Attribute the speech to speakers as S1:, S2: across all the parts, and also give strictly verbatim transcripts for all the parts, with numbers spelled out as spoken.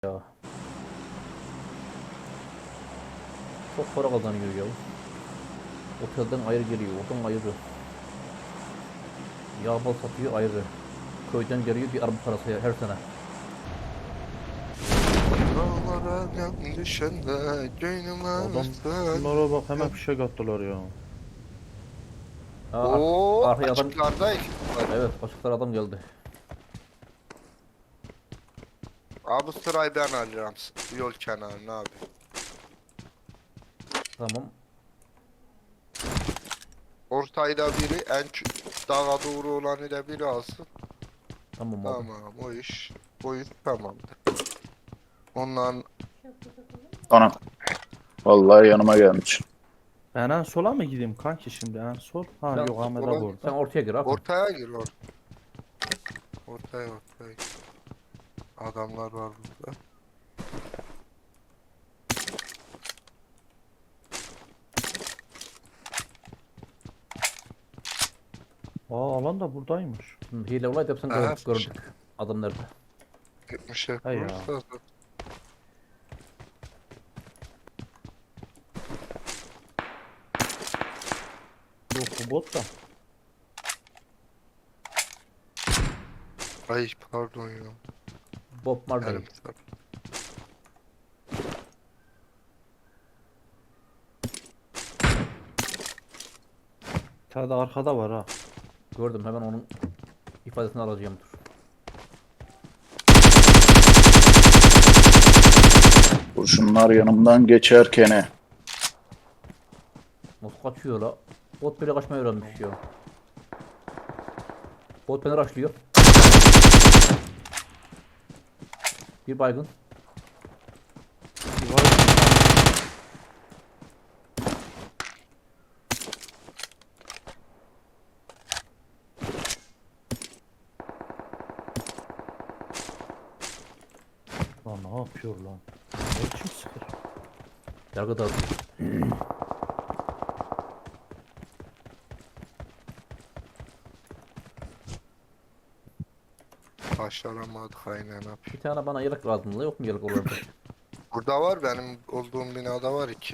S1: Ya. Çok para kazanıyor ya. Otelden ayrı geliyor, oradan ayrı. Yağ bal satıyor ayrı. Köyden geliyor bir araba parası her sene.
S2: Dağlara yan düşende gönlüm
S3: Adam
S2: ağlasın.
S3: şunlara bak hemen fişek attılar ya.
S1: Aa, ar
S2: Oo,
S1: arkaya adam...
S2: açıklarda ekip var.
S1: Evet, açıklar adam geldi.
S2: Abi sırayı ben alacağım yol kenarına abi.
S1: Tamam.
S2: Ortayı da biri en ç- dağa doğru olanı da biri alsın.
S1: Tamam abi.
S2: Tamam o iş. O iş tamamdır. Ondan
S4: Ana. Vallahi yanıma gelmiş.
S3: Ben en sola mı gideyim kanki şimdi en sol? Ha
S1: Sen,
S3: yok Ahmet
S2: sola-
S3: abi
S1: sen
S3: orada.
S1: ortaya gir abi.
S2: ortaya gir or. Ortaya ortaya. Adamlar var burada.
S3: Aa alan da buradaymış.
S1: Şimdi hile olaydı hepsini
S2: Aha.
S1: gördük, gördük. Adam nerede?
S2: Gitmiş hep
S3: Hay ya.
S2: burada.
S3: Yok bu bot da.
S2: Ay pardon ya.
S1: Bob Marley.
S2: Elim sarı.
S3: Bir tane de arkada var ha.
S1: Gördüm, hemen onun ifadesini alacağım, dur.
S4: Kurşunlar yanımdan geçerken.
S1: Nasıl kaçıyor la? Bot bile kaçmayı öğrenmiş ya. Bot beni rushlıyor. Bir baygın.
S3: Bir var. Lan ne yapıyor lan? Ne biçim sıkır?
S1: Yargı dağıtıyor.
S2: Başaramadık aynen abi.
S1: Bir tane bana yelek lazım da, yok mu yelek olarak?
S2: Burada var benim olduğum binada var iki.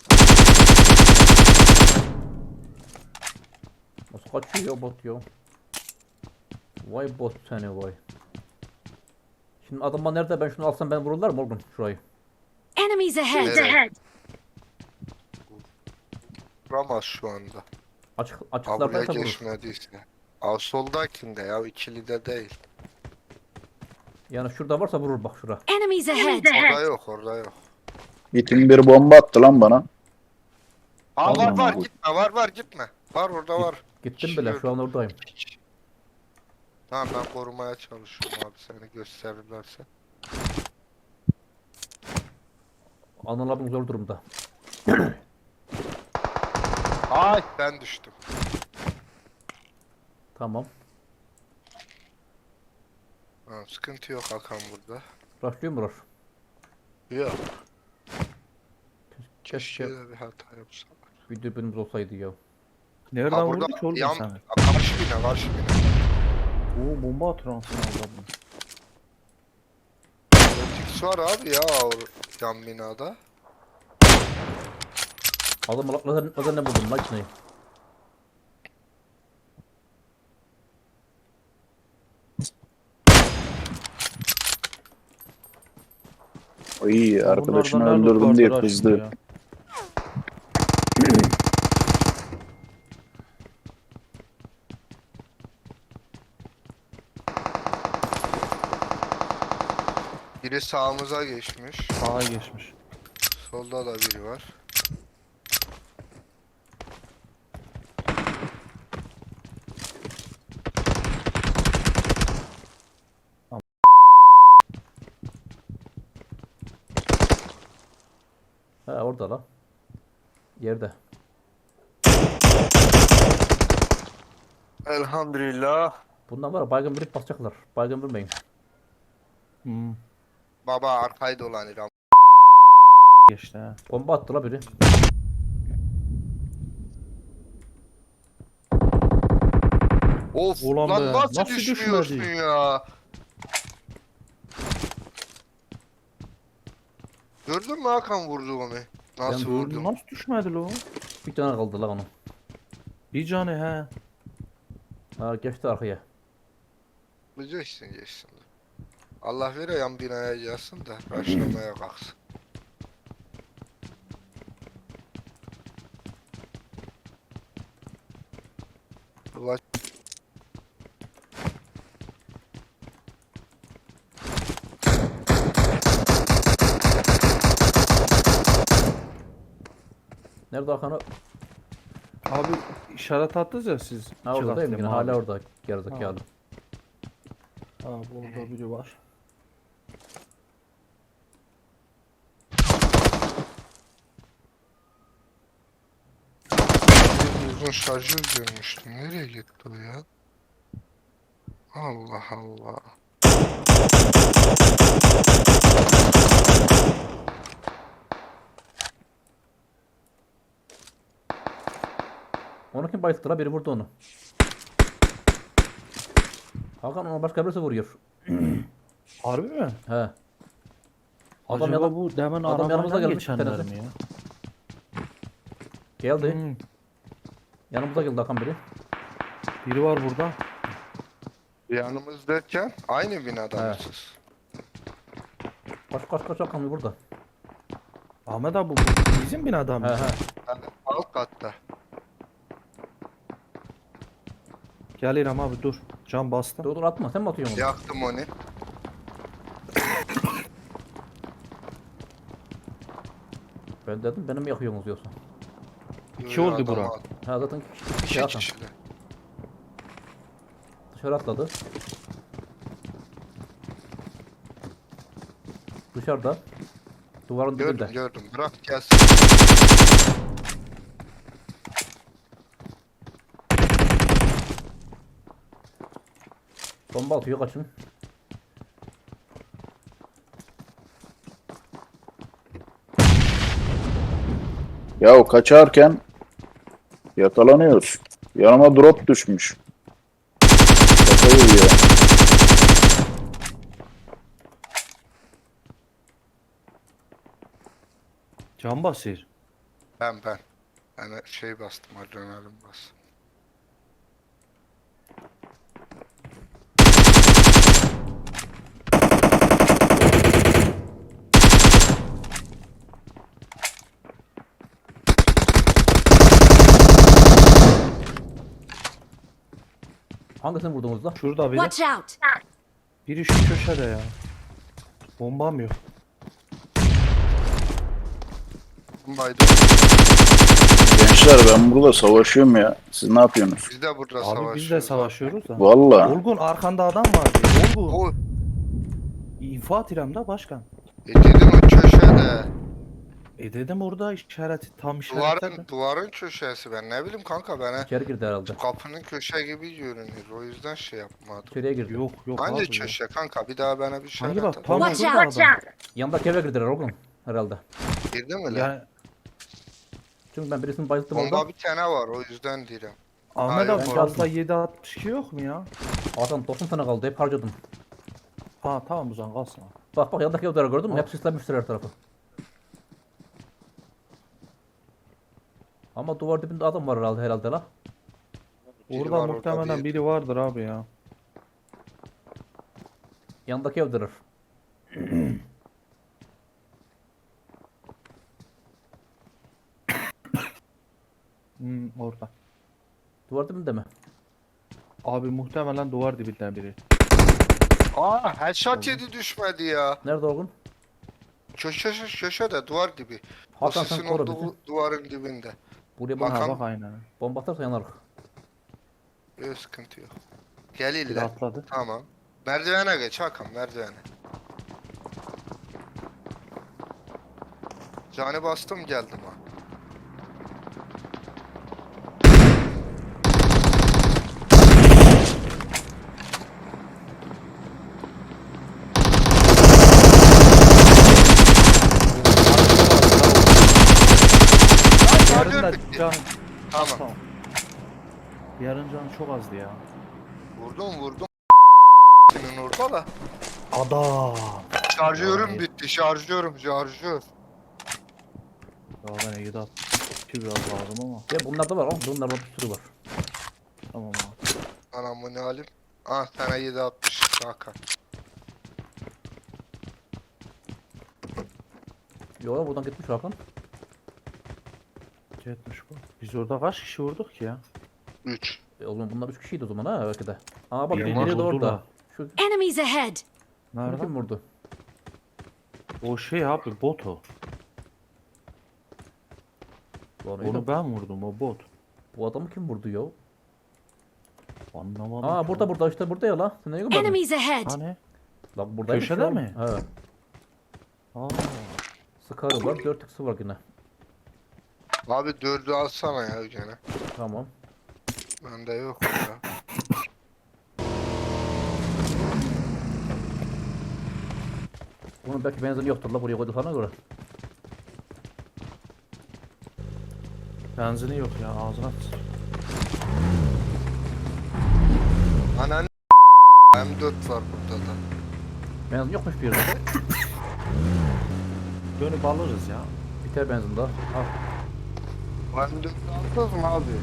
S1: Nasıl kaçıyor ya bot ya? Vay bot seni vay. Şimdi adam bana nerede, ben şunu alsam ben vururlar mı oğlum şurayı?
S5: Enemies ahead!
S2: Evet. Vuramaz şu anda.
S1: Açık
S2: Ha buraya
S1: açıklardaysa vurur.
S2: geçmediyse. Aa soldakinde ya ikili de değil.
S1: Yani şurada varsa vurur bak şura.
S5: Enemies ahead!
S2: Orada yok orada yok.
S4: İtin bir bomba attı lan bana.
S2: Aa var
S4: Allah'ım
S2: var
S4: bu-
S2: gitme var var gitme. Var orada
S1: Git-
S2: var.
S1: Gittim
S2: Kişi
S1: bile,
S2: gördüm.
S1: şu an oradayım.
S2: Tamam ben korumaya çalışıyorum abi seni gösterirlerse.
S1: Anıl abim zor durumda.
S2: Ay ben düştüm.
S1: Tamam.
S2: Ha, sıkıntı yok Hakan burada.
S1: Rushlıyor mu rush?
S2: Yok.
S1: Keşke
S2: Keşke de bir hata yapsam.
S1: bir dürbünümüz olsaydı ya.
S3: Nereden
S2: Ha burada
S3: vurdu ki oğlum
S2: yan,
S3: seni?
S2: karşı bina karşı bina.
S3: Oo bomba atıyor anasını avradını.
S2: Rotix var abi ya o yan binada.
S1: Adam lazer, lazer ne buldum makineyi.
S4: Ay arkadaşını
S3: Bunlardan ne loot
S4: öldürdüm diye
S3: vardır ha şimdi
S4: kızdı.
S3: ya?
S2: Biri sağımıza geçmiş.
S3: Sağa geçmiş.
S2: Solda da biri var.
S1: He orada la. Yerde.
S2: Elhamdülillah.
S1: Bundan var ya, baygın birip basacaklar. Baygın bilmeyin.
S3: Hmm.
S2: Baba arkayı dolanır.
S3: Geçti ha.
S1: Bomba attı la biri.
S2: Of
S3: Ulan
S2: lan
S3: be,
S2: nasıl,
S3: nasıl
S2: düşmüyorsun
S3: düşmedi?
S2: ya? Gördün mü Hakan vurduğumu? Nasıl
S1: Ben
S2: vurdum?
S3: Nasıl düşmedi lo?
S1: Bir tane kaldı la onun.
S3: Bir canı he.
S1: Ha geçti arkaya.
S2: Geçsin geçsin. Allah vere yan binaya gelsin de başlamaya kalksın. Ula
S1: Nerede Hakan o?
S3: Abi işaret attınız ya siz.
S1: Ha oradayım yine
S3: Çıraklıyım
S1: hala
S3: abi.
S1: orada gerizekalı.
S3: Ha burada biri var.
S2: uzun şarjör görmüştüm. Nereye gitti o ya? Allah Allah.
S1: Onu kim bayılttı la? Biri vurdu onu. Hakan onu başka birisi vuruyor.
S3: Harbi mi?
S1: He. Adam
S3: Acaba
S1: yana-
S3: bu demin
S1: adam yanımıza
S3: arabayla
S1: gelmiş
S3: geçenler
S1: tanesi.
S3: mi ya?
S1: Geldi.
S3: Hmm,
S1: Yanımıza geldi Hakan biri.
S3: biri var burada.
S2: Yanımız derken aynı binada
S1: He.
S2: mısınız?
S1: Kaç kaç kaç Hakan burada.
S3: Ahmet abi bu bizim binada
S1: He
S3: mı?
S1: he.
S2: Yani alt katta.
S3: Gel İrem abi dur. Can bastım.
S1: Dur dur atma sen mi atıyorsun onu?
S2: Yaktım onu.
S1: Ben dedim beni mi yakıyorsunuz yoksa?
S3: İki oldu bura.
S1: Ha zaten iki kişi, iki kişi
S2: İki
S1: Hakan.
S2: kişiler.
S1: Dışarı atladı. Dışarıda. Duvarın dibinde.
S2: Gördüm gördüm. Bırak gelsin.
S1: Bomba atıyor kaçın.
S4: Ya kaçarken yakalanıyoruz. Yanıma drop düşmüş. Kafayı yiyor.
S3: Can basır.
S2: Ben ben. Yani şey bastım. Adrenalin bastım.
S1: Hangisini vurdunuz da?
S3: Şurada biri.
S5: Watch out!
S3: Biri şu köşede ya. Bombam yok.
S2: Baydı.
S4: Gençler ben burada savaşıyorum ya. Siz ne yapıyorsunuz?
S2: Biz de burada
S3: Abi
S2: savaşıyoruz.
S3: biz de savaşıyoruz da.
S4: Valla.
S3: Olgun arkanda adam var diye. Olgun.
S2: O
S3: İnfaat İrem'de başkan.
S2: e dedim o köşede.
S3: E dedim orada işareti tam
S2: Duvarın,
S3: işaretledim.
S2: duvarın köşesi ben ne bileyim kanka bana.
S1: İçeri girdi herhalde.
S2: Kapının köşe gibi görünüyor. O yüzden şey yapmadım.
S1: İçeriye girdi.
S3: Yok yok
S2: Hangi
S3: abi. ya.
S2: köşe kanka? Bir daha bana bir şey
S3: Hangi bak
S2: anlatın.
S3: tam
S5: Watch
S3: şurada
S5: out!
S3: adam.
S1: Yanındaki eve girdiler oğlum. Herhalde.
S2: Girdi mi lan?
S3: Yani
S1: Çünkü ben birisini bayılttım
S2: Bomba
S1: orada.
S2: bir tane var o yüzden diyorum.
S3: Ahmet
S2: yok,
S3: abi
S1: ben
S3: fazla
S1: kaldım.
S3: yedi altmış iki yok mu ya?
S1: Hakan doksan tane kaldı. Hep harcadım.
S3: Ha tamam o zaman kalsın. abi.
S1: Bak bak yanındaki evleri gördün mü?
S3: Ha.
S1: Hep sislenmiştir her tarafı. Ama duvar dibinde adam var herhalde herhalde la.
S2: Biri
S3: Orada
S2: var
S3: muhtemelen
S2: bir-
S3: biri vardır abi ya.
S1: Yanındaki evdeler.
S3: Hmm, orada.
S1: Duvar dibinde mi?
S3: Abi muhtemelen duvar dibinden biri.
S2: Aa headshot yedi düşmedi ya.
S1: Nerede Orgun?
S2: Köşe köşe de duvar dibi. O
S1: Hakan sen
S2: sisin
S1: koru
S2: olduğu
S1: bizi.
S2: duvarın dibinde.
S1: Buraya bana
S2: Hakan-
S3: Ha bak aynen.
S1: bomba atarsa yanarız.
S2: Yok sıkıntı yok. Gel
S3: Biri
S2: ille.
S3: atladı.
S2: Tamam. Merdivene geç Hakan merdivene. Cani bastım geldim ha.
S3: Yarın da
S2: Şarjör bitti.
S3: can...
S2: Tamam.
S3: Tamam. Yarın can çok azdı ya.
S2: Vurdum vurdum. Senin orada da.
S3: Adam.
S2: Şarjörüm
S3: Vay.
S2: bitti. Şarjörüm şarjör.
S3: Ya ben yedi altmış biraz lazım ama.
S1: Ya bunlarda var oğlum. Bunlarda bir sürü var.
S3: Tamam abi.
S2: Anam bu ne halim? Ah sana yedi altmış Hakan.
S1: Yo ya buradan gitmiş Hakan.
S3: Yetmiş bu. Biz orada kaç kişi vurduk ki ya?
S2: üç.
S1: E oğlum bunlar üç kişiydi o zaman ha belki de. Aa bak
S3: Bir
S1: biri
S3: ama
S1: de orada.
S3: vurdular.
S1: Şu
S5: Enemies ahead!
S1: bunu
S3: Nerede?
S1: kim vurdu?
S3: O şey abi bot o.
S1: Lan iyi de
S3: Onu ben vurdum o bot.
S1: bu adamı kim vurdu ya?
S3: Anlamadım.
S1: Aa
S3: ki
S1: burada
S3: lan.
S1: burada işte burada ya la. Sen ne görmedin?
S5: Enemies ahead!
S3: Hani?
S1: Lan buradaymış
S3: Köşede
S1: ya.
S3: mi?
S1: He.
S3: Aa.
S1: Scar'ı var, dört x'i var yine.
S2: Abi dördü alsana ya gene.
S1: Tamam.
S2: Bende yok ya.
S1: Bunun belki benzini yoktur la buraya koyduklarına göre.
S3: Benzini yok ya ağzına at.
S2: Anan M dört var burada da.
S1: Benzin yokmuş bir yerde.
S3: Dönüp alırız ya.
S1: Biter benzin daha. Al.
S2: M dört aldınız mı abi?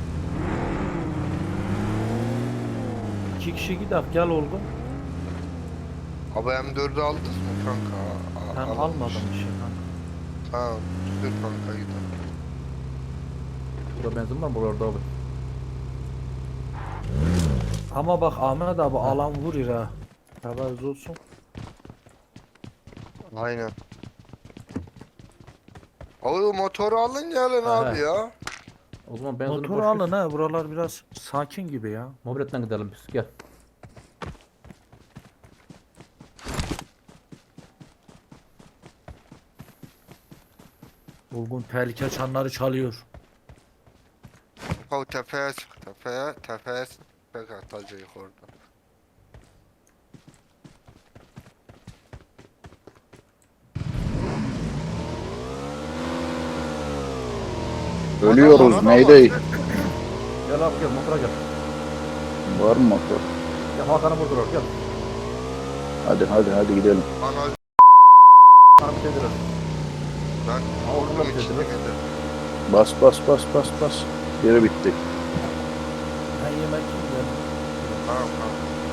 S3: İki kişi gider gel Olgun.
S2: Abi M dördü aldınız mı kanka? A-
S3: Ben
S2: almamış.
S3: almadım bir şey kanka.
S2: Tamam. Dur kanka gidelim.
S1: Burada benzin var buralarda abi.
S3: Ama bak Ahmet abi alan vurur ha. Haberiniz olsun.
S2: Aynen. Abi motoru alın gelin
S1: Aha.
S2: abi ya.
S1: O zaman benzini
S3: Motoru
S1: boş
S3: alın
S1: ver.
S3: ha buralar biraz sakin gibi ya.
S1: Mobiletten gidelim biz gel.
S3: Olgun tehlike çanları çalıyor.
S2: Kanka tepeye çık tepeye. Tepeye çık. Tek atacağız orada.
S4: Ölüyoruz
S2: Adam-
S4: Mayday.
S1: Gel abi gel motora gel.
S4: Var mı motor?
S1: Gel Hakan'ı vurdular gel.
S4: Hadi hadi hadi gidelim.
S2: Ana
S1: Hakan'ı bitirdiler.
S2: ben
S1: Aa, orada
S2: orada
S1: bir
S2: geçtim
S1: şey
S2: gidelim.
S4: Bas bas bas bas bas. Geri bitti.
S3: Ben yemek yiyeyim.
S2: Tamam tamam.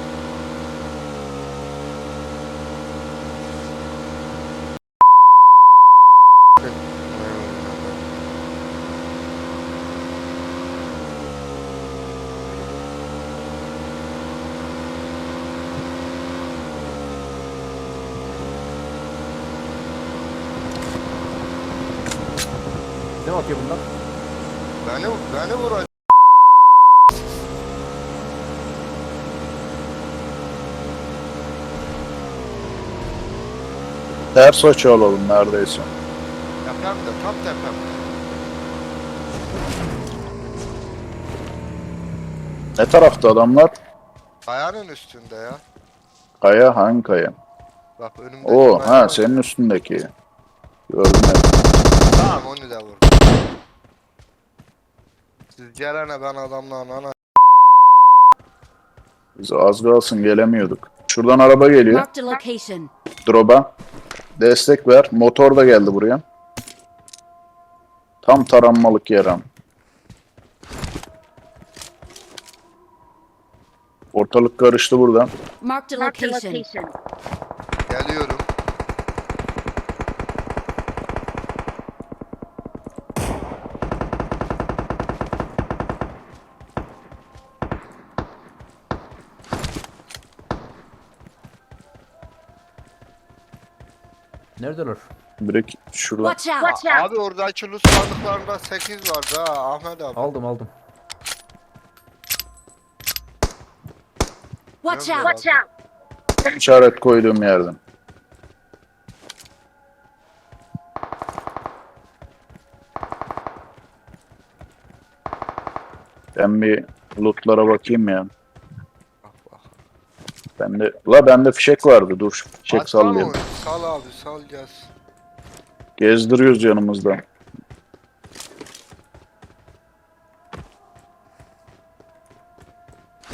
S1: Ne bakıyor bunlar?
S2: Beni, beni vuracak.
S4: Ters açı alalım neredeyse.
S2: Tepemde, tam tepemde.
S4: Ne tarafta adamlar?
S2: Kayanın üstünde ya.
S4: Kaya hangi kaya?
S2: Bak önümde.
S4: Oo ha senin üstündeki. Gördüm evet.
S2: Tamam onu da vur. Siz gelene ben adamla ana.
S4: Biz az kalsın gelemiyorduk. Şuradan araba geliyor.
S5: Marked a location.
S4: Drop'a. Destek ver. Motor da geldi buraya. Tam taranmalık yer ama. Ortalık karıştı burada.
S5: Marked a location.
S2: Geliyorum.
S1: Neredeler?
S4: Direkt şurada.
S5: Watch out!
S2: Abi oradaki lus sandıklarında sekiz vardı ha Ahmet abi.
S1: Aldım aldım.
S5: Watch
S2: Nerede
S5: out!
S2: abi?
S4: İşaret koyduğum yerden. Ben bir lootlara bakayım ya.
S2: Bak bak.
S4: Bende, la bende fişek vardı. Dur şu fişek
S2: Aç lan
S4: sallayayım.
S2: onu. Sal abi sal gelsin.
S4: Gezdiriyoruz yanımızda.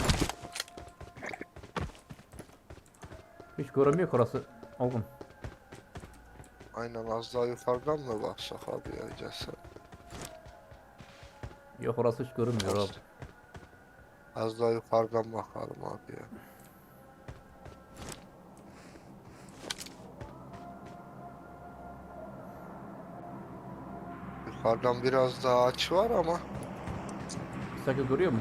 S1: Hiç göremiyor ki orası. Oğlum.
S2: Aynen az daha yukarıdan mı baksak abi ya gelsene.
S1: Yok orası hiç görünmüyor
S2: Az,
S1: abi.
S2: az daha yukarıdan bakalım abi ya. Yukarıdan biraz daha açı var ama
S1: Sanki görüyor mu?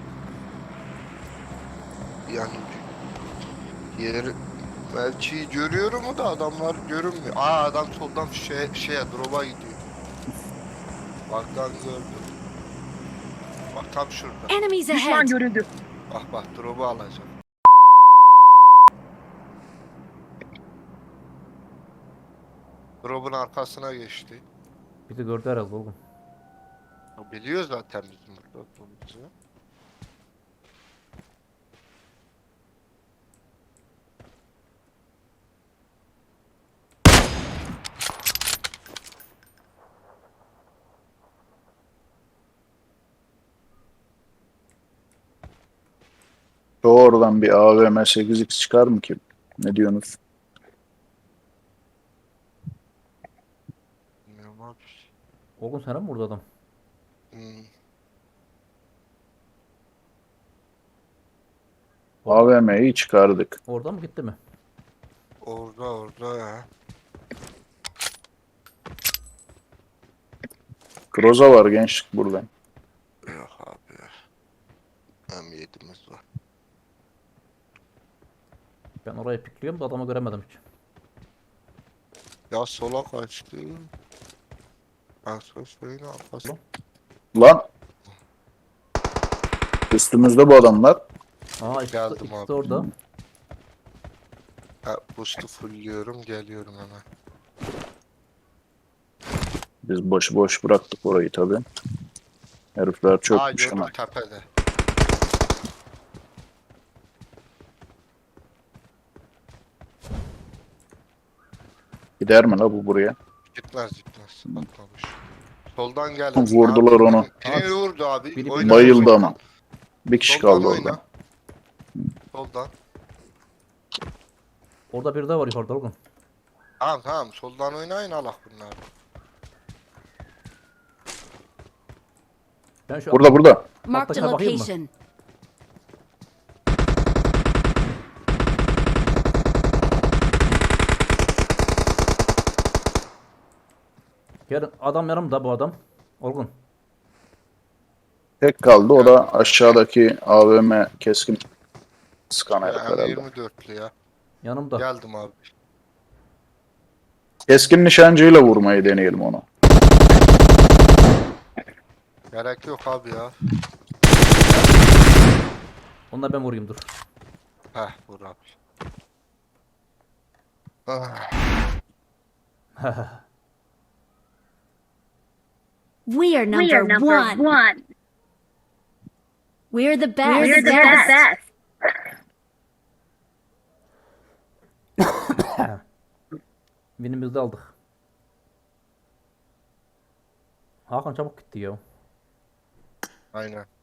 S2: yani yeri belki görüyorum mu da adamlar görünmüyor. Aa adam soldan şey, şeye drop'a gidiyor. Bak lan gördüm. Bak tam şurada.
S5: Enemies
S6: Düşman
S5: ahead!
S6: görüldü.
S2: Bak bak drop'u alacağım. Drop'un arkasına geçti.
S1: Bizi gördü herhalde oğlum.
S2: O biliyor zaten bizim burada olduğumuzu.
S4: Şu oradan bir A V M sekiz X çıkar mı ki? Ne diyorsunuz?
S2: Bilmiyorum abi.
S1: Oğlum sana mı vurdu adam?
S2: Hmm.
S4: A V M'yi çıkardık.
S1: Oradan mı gitti mi?
S2: Orada orada ya.
S4: Groza var gençlik burada.
S2: Yok abi ya. M yedi'miz var.
S1: Ben orayı pikliyorum da adamı göremedim hiç.
S2: Ya sola kaçtı. Ben söyleyin arkası.
S4: Lan! Üstümüzde bu adamlar.
S1: Aa ikisi,
S2: Geldim
S1: ikisi
S2: abi.
S1: de orada.
S2: Ha, boost'u fullliyorum geliyorum hemen.
S4: Biz boş boş bıraktık orayı tabi. Herifler
S2: Aa
S4: çökmüş
S2: gördüm
S4: ama.
S2: tepede.
S4: Gider mi la bu buraya?
S2: Gitmez gitmez. Atmamış. Soldan geldi.
S4: Vurdular onu.
S2: Birini vurdu abi.
S1: Biri-
S2: Oyna
S4: Bayıldı
S2: soldan.
S4: ama. Bir kişi
S2: Soldan
S4: kaldı
S2: oyna.
S4: orada.
S2: Soldan.
S1: Orada biri daha var yukarıda oğlum.
S2: Tamam tamam soldan oynayın Allah bunları.
S1: Ben şu
S4: Burada burada.
S5: Marked a
S1: Atlasana bakayım mı?
S5: location.
S1: yarın adam yanımda bu adam. Olgun.
S4: Tek kaldı o da aşağıdaki A V M keskin sıkan herif
S2: Ya,
S4: herhalde.
S2: yirmi dörtlü ya.
S1: Yanımda.
S2: Geldim abi.
S4: Keskin nişancıyla vurmayı deneyelim onu.
S2: Gerek yok abi ya.
S1: Onunla ben vurayım dur.
S2: Heh vur abi. Ah,
S5: We are number,
S6: We are number
S5: one.
S6: one.
S5: We're the best.
S6: We're the best.
S1: Binimizi de aldık. Hakan çabuk gitti ya.
S2: aynen.